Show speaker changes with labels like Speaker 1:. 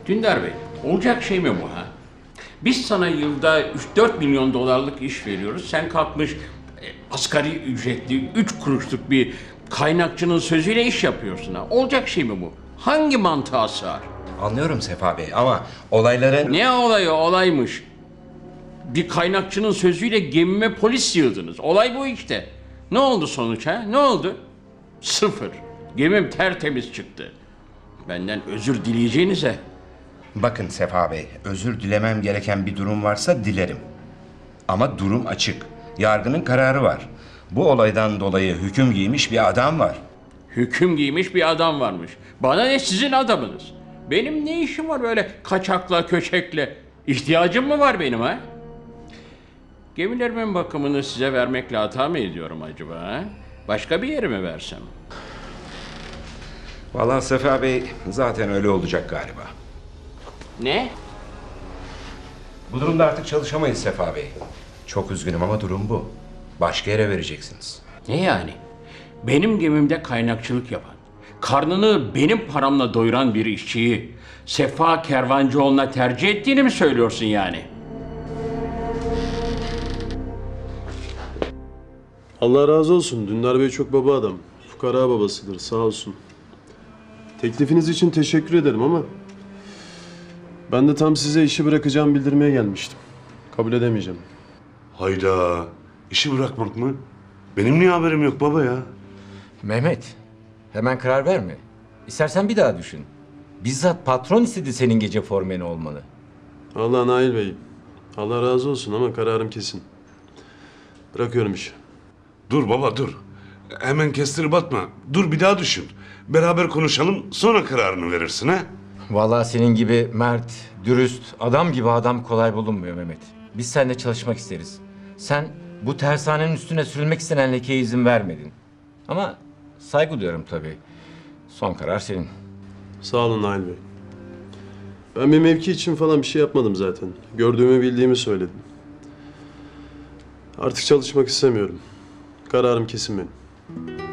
Speaker 1: Dündar Bey, olacak şey mi bu ha? Biz sana yılda 3-4 milyon dolarlık iş veriyoruz. Sen kalkmış asgari ücretli 3 kuruşluk bir kaynakçının sözüyle iş yapıyorsun ha. Olacak şey mi bu? Hangi mantığa sığar?
Speaker 2: Anlıyorum Sefa Bey ama olayların...
Speaker 1: Ne olayı olaymış? Bir kaynakçının sözüyle gemime polis yığdınız. Olay bu işte. Ne oldu sonuç ha? Ne oldu? Sıfır. Gemim tertemiz çıktı. Benden özür dileyeceğinize...
Speaker 2: Bakın Sefa Bey, özür dilemem gereken bir durum varsa dilerim. Ama durum açık. Yargının kararı var. Bu olaydan dolayı hüküm giymiş bir adam var.
Speaker 1: Hüküm giymiş bir adam varmış. Bana ne sizin adamınız? Benim ne işim var böyle kaçakla köçekle? İhtiyacım mı var benim ha? Gemilerimin bakımını size vermekle hata mı ediyorum acaba ha? Başka bir yere mi versem?
Speaker 2: Vallahi Sefa Bey zaten öyle olacak galiba.
Speaker 1: Ne?
Speaker 2: Bu durumda artık çalışamayız Sefa Bey. Çok üzgünüm ama durum bu. Başka yere vereceksiniz.
Speaker 1: Ne yani? Benim gemimde kaynakçılık yapan, karnını benim paramla doyuran bir işçiyi Sefa Kervancıoğlu'na tercih ettiğini mi söylüyorsun yani?
Speaker 3: Allah razı olsun. Dündar Bey çok baba adam. Fukara babasıdır, sağ olsun. Teklifiniz için teşekkür ederim ama... ben de tam size işi bırakacağım bildirmeye gelmiştim. Kabul edemeyeceğim.
Speaker 4: Hayda, işi bırakmak mı? Benim niye haberim yok baba ya?
Speaker 5: Mehmet, hemen karar verme. İstersen bir daha düşün. Bizzat patron istedi senin gece formeni olmanı.
Speaker 3: Allah Nail Bey. Allah razı olsun ama kararım kesin. Bırakıyorum işi.
Speaker 4: Dur baba dur. Hemen kestirip atma. Dur bir daha düşün. Beraber konuşalım sonra kararını verirsin ha?
Speaker 5: Vallahi senin gibi mert, dürüst, adam gibi adam kolay bulunmuyor Mehmet. Biz seninle çalışmak isteriz. Sen bu tersanenin üstüne sürülmek istenen lekeye izin vermedin. Ama saygı duyuyorum tabii. Son karar senin.
Speaker 3: Sağ olun Nail Bey. Ben bir mevki için falan bir şey yapmadım zaten. Gördüğümü bildiğimi söyledim. Artık çalışmak istemiyorum. Kararım kesin benim.